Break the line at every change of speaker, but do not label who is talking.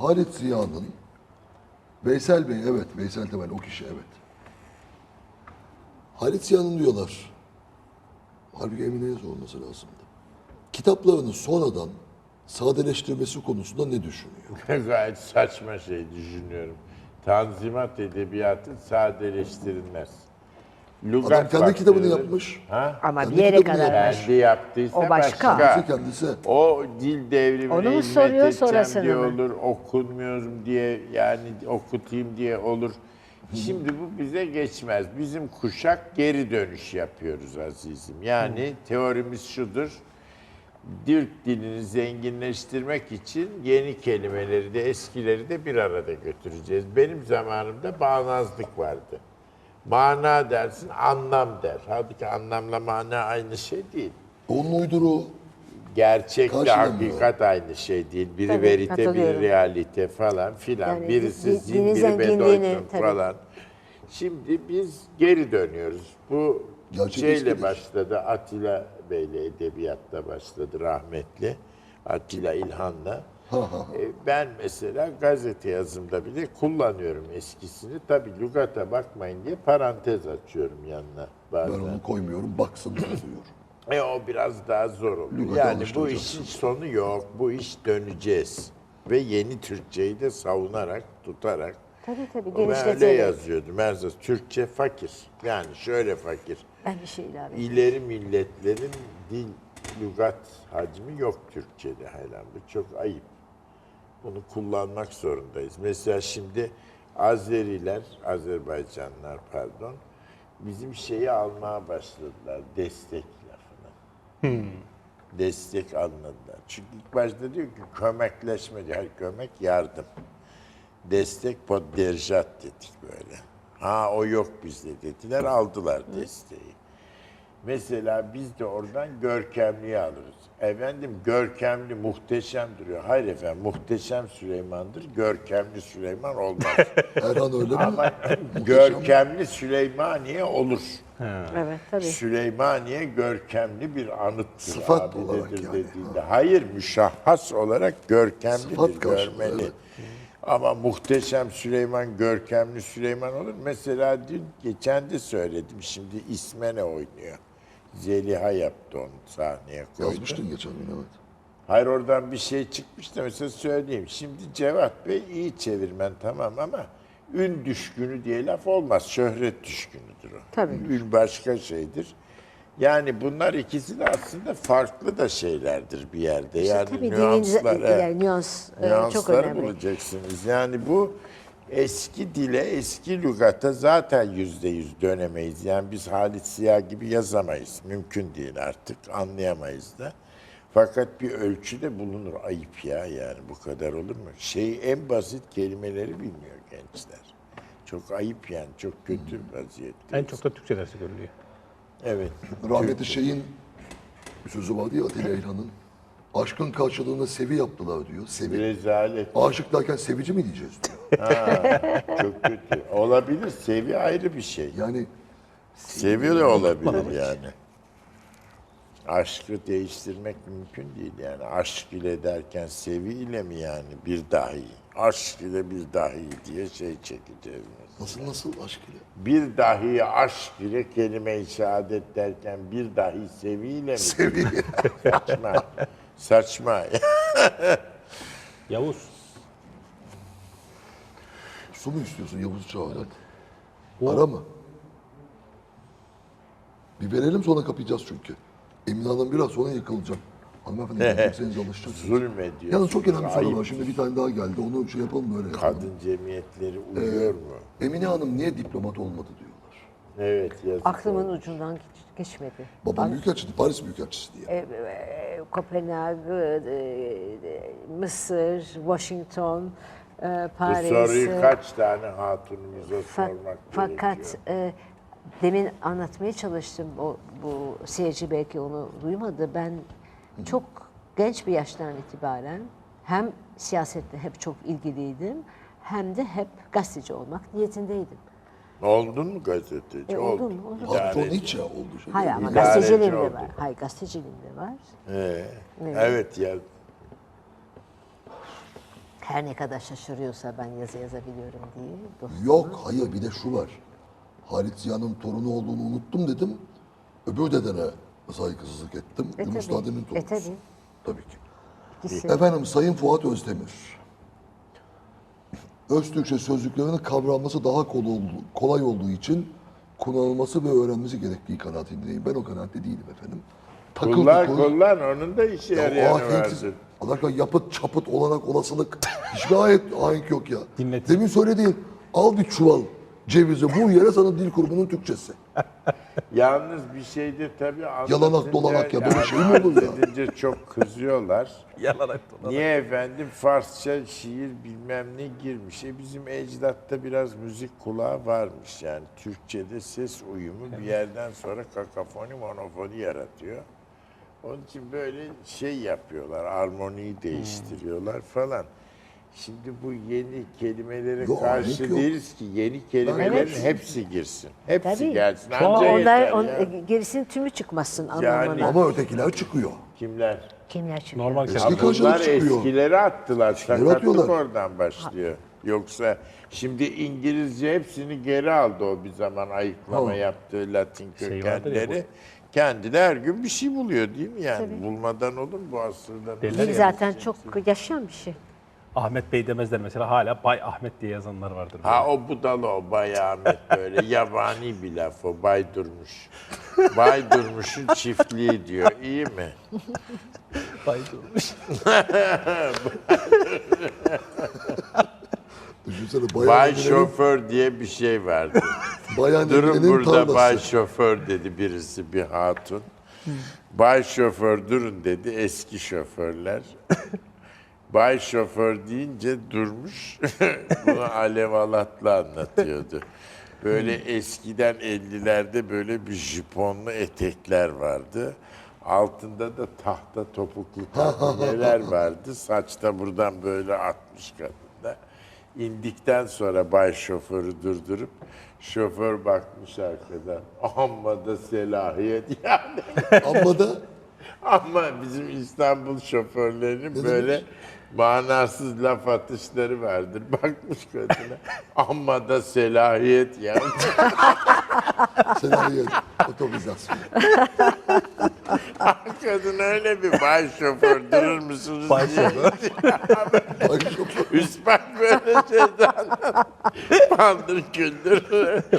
Halit Ziya'nın Veysel Bey, evet, Veysel Temel o kişi, evet. Halit Ziya'nın diyorlar, halbuki Emine Yaz olması lazımdı. Kitaplarını sonradan sadeleştirmesi konusunda ne düşünüyor?
Gayet saçma şey düşünüyorum. Tanzimat edebiyatı sadeleştirilmez. Lugat
Adam kendi kitabını
bakterileri-
yapmış.
Ha?
Ama
Kendi
bir yere
kitabını
kadar
yapmış.
var.
Kendi yaptıysa
O başka.
Kendisi.
O dil devrimine
Onu mu
hizmet
soruyor,
edeceğim
sonrasını
diye
mı?
olur, okunmuyorum diye yani okutayım diye olur. Şimdi bu bize geçmez. Bizim kuşak geri dönüş yapıyoruz azizim. Yani teorimiz şudur. Türk dilini zenginleştirmek için yeni kelimeleri de eskileri de bir arada götüreceğiz. Benim zamanımda bağnazlık vardı. Mana dersin, anlam der. Halbuki anlamla mana aynı şey değil.
Onun uyduruğu.
Gerçekle
Karşılamıyor.
hakikat aynı şey değil. Biri
Tabii,
verite, biri
katılıyorum.
realite falan filan.
Yani
Birisi zin,
dinin
biri
zenginliğini,
bedoytun
tabii.
falan. Şimdi biz geri dönüyoruz. Bu
Gerçek
şeyle
eskidir.
başladı. Atilla Bey'le edebiyatta başladı rahmetli. Atilla İlhan'la. Ben mesela gazete yazımda bile kullanıyorum eskisini. Tabii lügata bakmayın diye parantez açıyorum yanına
Ben
bazen.
onu koymuyorum, baksın diyor.
O biraz daha zor oluyor.
Lügata
Yani bu
alıştıracaksın.
işin sonu yok. Bu iş döneceğiz. Ve yeni Türkçeyi de savunarak, tutarak.
Tabii tabii,
Ben öyle
genişleterek.
yazıyordum. Erzaz, Türkçe fakir. Yani şöyle fakir.
Ben bir şey ilave edeyim.
İleri milletlerin dil, lügat hacmi yok Türkçe'de hala. Bu çok ayıp. Bunu kullanmak zorundayız. Mesela şimdi Azeriler, Azerbaycanlılar pardon, bizim şeyi almaya başladılar, destek lafını. Destek anladılar. Çünkü ilk başta diyor ki kömekleşme diyor. Hayır, kömek yardım. Destek podderjat dedik böyle. Ha o yok bizde dediler, aldılar desteği. Mesela biz de oradan görkemliyi alırız. Efendim görkemli muhteşem duruyor. Hayır efendim muhteşem Süleyman'dır. Görkemli Süleyman olmaz.
Erhan öyle mi?
Ama görkemli Süleymaniye olur.
Evet tabii.
Süleymaniye görkemli bir anıttır.
Sıfat
abidedir
olarak yani.
dediğinde. Hayır müşahhas olarak görkemlidir,
Sıfat karşılığı,
görmeli.
evet.
Ama muhteşem Süleyman, görkemli Süleyman olur. Mesela dün geçen de söyledim. Şimdi İsmene oynuyor. Zeliha yaptı onu sahneye koydu.
Yazmıştın geçen gün, evet.
Hayır oradan bir şey çıkmış da mesela söyleyeyim. Şimdi Cevat Bey iyi çevirmen tamam ama ün düşkünü diye laf olmaz. Şöhret düşkünüdür o.
Tabii.
Ün başka şeydir. Yani bunlar ikisi de aslında farklı da şeylerdir bir yerde. Yani
Tabii
nüanslar.
yani nüans çok
Nüansları
önemli.
bulacaksınız. Yani bu eski dile, eski lügata zaten %100 dönemeyiz. Yani biz Halit Ziya gibi yazamayız. Mümkün değil artık. Anlayamayız da. Fakat bir ölçüde bulunur. Ayıp ya yani bu kadar olur mu? En basit kelimeleri bilmiyor gençler. Çok ayıp yani. Çok kötü vaziyette.
En çok da Türkçe dersi görülüyor.
Evet.
Rahmetli şeyin bir sözü vardı ya, Atilla İlhan'ın. Aşkın karşılığında sevi yaptılar diyor. Sevi.
Rezalet.
Aşık derken sevici mi diyeceğiz diyor.
Çok kötü. Olabilir. Sevi ayrı bir şey.
Yani
Seviyor da olabilir yani. Aşkı değiştirmek mümkün değil yani. Aşk ile derken sevi ile mi yani bir dahi? Aşk ile bir dahi diye şey çekeceğiz.
nasıl aşk ile?
Bir dahi aşk ile kelime-i şehadet derken bir dahi sevi ile mi?
Sevi.
Saçma. Saçma.
Yavuz.
Su mu istiyorsun Yavuz Çağlayan? Ara mı? Bir verelim, sonra kapayacağız çünkü. Emine Hanım biraz sonra yıkılacak. Hanımefendi gelecekseniz alışacaksınız.
Zulmediyor.
Yalnız çok önemli bir soru
Ayıp.
var. Şimdi bir tane daha geldi. Onu şey yapalım böyle. yapalım.
Kadın cemiyetleri uyuyor mu?
Emine Hanım niye diplomat olmadı diyorlar.
Evet yazık.
Aklımın ucundan geçmedi.
Babam büyükelçiydi, Paris büyükelçisi diye.
Kopenhag, Mısır, Washington,
Bu
Paris.
soruyu kaç tane hatunumuza sormak
Fakat
gerekiyor?
demin anlatmaya çalıştım. Bu seyirci belki onu duymadı. Ben çok genç bir yaştan itibaren hem siyasette hep çok ilgiliydim hem de hep gazeteci olmak niyetindeydim.
Oldun mu gazeteci?
Oldum,
Oldun.
oldum.
Patron hiç ya oldu. Şey
Hayır
değil
ama
mi?
gazeteciliğim de
oldum.
var. Hayır gazeteciliğim de var.
Evet ya.
Her ne kadar şaşırıyorsa ben yazı yazabiliyorum diye. Dostum.
Yok, hayır bir de şu var. Halit Ziya'nın torunu olduğunu unuttum dedim. Öbür dedene saygısızlık ettim. Yunus
tabii.
Nadi'nin torunusu.
Tabii.
Tabii ki.
İkisi.
Efendim Sayın Fuat Özdemir. Öztürkçe sözlüklerinin kavranması daha kolay olduğu için kullanılması ve öğrenmesi gerektiği kanaatindeyim. Ben o kanaatte değilim efendim.
Kullan onun da işe
Ya o
yarayanı
ahenksiz,
vardır.
Allah aşkına yapıt çapıt olanak olasılık hiçbir ayet ahenk yok ya.
Dinlet.
Demin söylediğin al bir çuval cevizi bu yere sana dil kurumunun Türkçesi.
Yalnız bir şeyde tabii
Yalanak dolanak ya, böyle şey mi olur ya?
Anlatınca çok kızıyorlar.
Yalarak dolan.
Niye efendim Farsça şiir bilmem ne girmiş. Bizim ecdatta biraz müzik kulağı varmış yani. Türkçe'de ses uyumu bir yerden sonra kakafoni monofoni yaratıyor. Onun için böyle şey yapıyorlar, armoniyi değiştiriyorlar falan. Şimdi bu yeni kelimelere
Yok,
karşı
ahenk yok.
değiliz ki. Yeni kelimelerin
Evet.
hepsi girsin. Hepsi
Tabii.
gelsin.
Ama
Anca
onlar,
yeter ya.
gerisinin tümü çıkmasın
Yani-
anlamına.
Ama ötekiler çıkıyor.
Kimler?
Kimler çıkıyor?
Normal
Eski
kelime.
karşılık
Bunlar
çıkıyor.
eskileri attılar. Sakatlık
atıyorlar.
oradan başlıyor. Yoksa şimdi İngilizce hepsini geri aldı o bir zaman ayıklama
Ha.
yaptığı Latin
Şey vardır ya
kökenleri. Kendine her gün bir şey buluyor değil mi yani? Bulmadan olur mu bu asırda?
Derler
Dil
ya,
zaten çok yaşayan bir şey.
Ahmet Bey demezler mesela, hala Bay Ahmet diye yazanlar vardır.
Ha o budalı o Bay Ahmet böyle yabani bir laf o Bay Durmuş. Bay Durmuş'un çiftliği diyor. İyi mi?
Bay durmuş.
Düşünsene
Bay
bayan
Şoför diye bir şey vardı.
bayan
Durun
Emine'nin
burada
tarlası.
Bay Şoför dedi birisi bir hatun. Bay Şoför durun dedi eski şoförler. Bay Şoför deyince durmuş. Bunu Alev Alatlı anlatıyordu. Böyle eskiden 50'lerde böyle bir jiponlu etekler vardı. Altında da tahta topuklu tabineler vardı. Saç da buradan böyle atmış kadında. İndikten sonra Bay Şoför'ü durdurup şoför bakmış arkadan. Amma da selahiyet yani.
Amma da
Ama bizim İstanbul şoförlerinin böyle manasız laf atışları vardır. Bakmış kadına. Amma da selahiyet yani.
senaryo otobüsasyon.
Kadın öyle bir bay şoför durur musunuz
Bay
diye.
şoför.
Bay şoför.
Üst bak böyle şeyden. Paldır küldür.